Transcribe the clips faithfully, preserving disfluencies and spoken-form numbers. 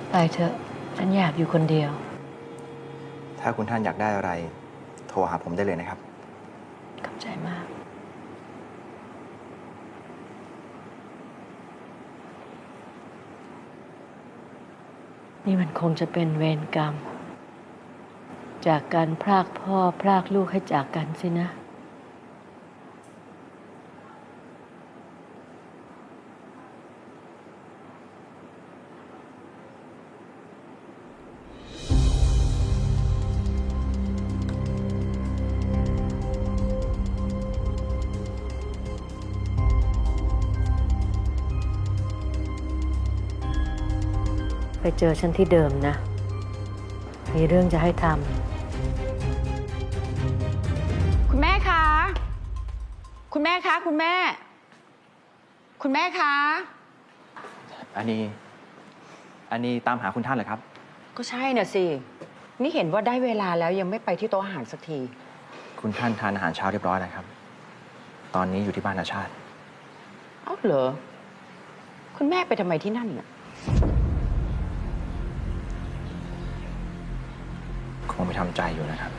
ไปเถอะฉันอยากอยู่คนเดียวถ้าคุณท่านอยากได้อะไร โทรหาผมได้เลยนะครับขอบใจมาก นี่มันคงจะเป็นเวรกรรม จากการพรากพ่อพรากลูกให้จากกันสินะ ไปเจอฉันที่เดิมนะ มีเรื่องจะให้ทำคุณแม่คะ คุณแม่คะ คุณแม่ คุณแม่คะอันนี้ อันนี้ตามหาคุณท่านเหรอครับก็ใช่น่ะสิ นี่เห็นว่าได้เวลาแล้วยังไม่ไปที่โต๊ะอาหารสักทีคุณท่านทานอาหารเช้าเรียบร้อยแล้วครับ ตอนนี้อยู่ที่บ้านอาชาติเอ้าเหรอ คุณแม่ไปทำไมที่นั่นน่ะคงไปทำใจอยู่นะครับ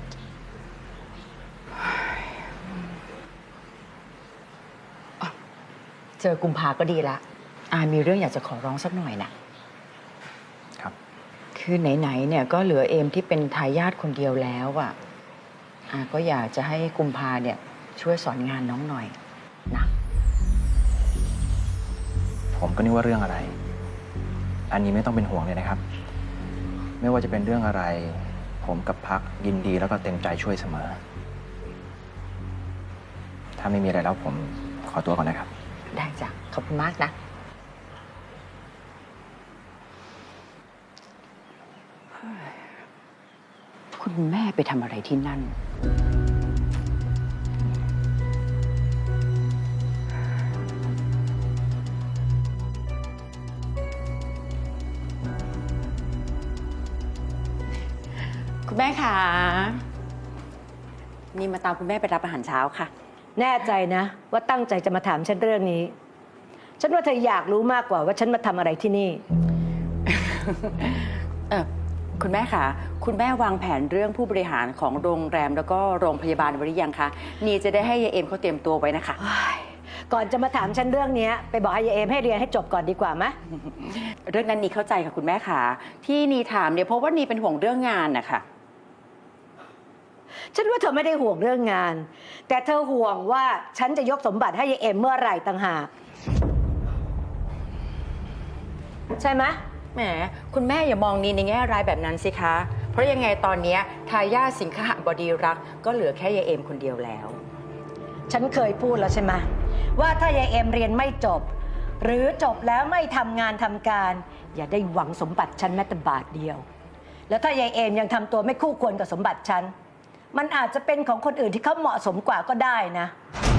เจอกุมภาก็ดีละอามีเรื่องอยากจะขอร้องสักหน่อยน่ะครับคือไหนๆเนี่ยก็เหลือเอมที่เป็นทายาทคนเดียวแล้วอ่ะอาก็อยากจะให้กุมภาเนี่ยช่วยสอนงานน้องหน่อยนะผมก็นึกว่าเรื่องอะไร อันนี้ไม่ต้องเป็นห่วงเลยนะครับ ไม่ว่าจะเป็นเรื่องอะไร ผมกับพักยินดีแล้วก็เต็มใจช่วยเสมอ ถ้าไม่มีอะไรแล้วผมขอตัวก่อนนะครับได้จ้ะ ขอบคุณมากนะ คุณแม่ไปทำอะไรที่นั่น คุณแม่คะนี่มาตามคุณแม่ไปรับอาหารเช้าค่ะแน่ใจนะ ว่าตั้งใจจะมาถามฉันเรื่องนี้ ฉันว่าเธออยากรู้มากกว่าว่าฉันมาทำอะไรที่นี่เออคุณแม่คะคุณแม่วางแผนเรื่องผู้บริหารของโรงแรมแล้วก็โรงพยาบาลไว้หรือยังคะนี่จะได้ให้ยายเอ็มเขาเตรียมตัวไว้นะคะก่อนจะมาถามฉันเรื่องนี้ไปบอกให้ยายเอมให้เรียนให้จบก่อนดีกว่าไหมเรื่องนั้นนีเข้าใจค่ะคุณแม่คะที่นีถามเนี่ยเพราะว่านีเป็นห่วงเรื่องงานนะคะฉันว่าเธอไม่ได้ห่วงเรื่องงาน แต่เธอห่วงว่าฉันจะยกสมบัติให้ยายเอ็มเมื่อไหร่ต่างหากใช่ไหมแหมคุณแม่อย่ามองนีในแง่ร้ายแบบนั้นสิคะเพราะยังไงตอนนี้ทายาทสิงหบดีรักษ์ก็เหลือแค่ยายเอ็มคนเดียวแล้วฉันเคยพูดแล้วใช่ไหมว่าถ้ายายเอ็มเรียนไม่จบ หรือจบแล้วไม่ทำงานทำการ อย่าได้หวังสมบัติฉันแม้แต่บาทเดียว แล้วถ้ายายเอ็มยังทำตัวไม่คู่ควรกับสมบัติฉันมันอาจจะเป็นของคนอื่นที่เขาเหมาะสมกว่าก็ได้นะ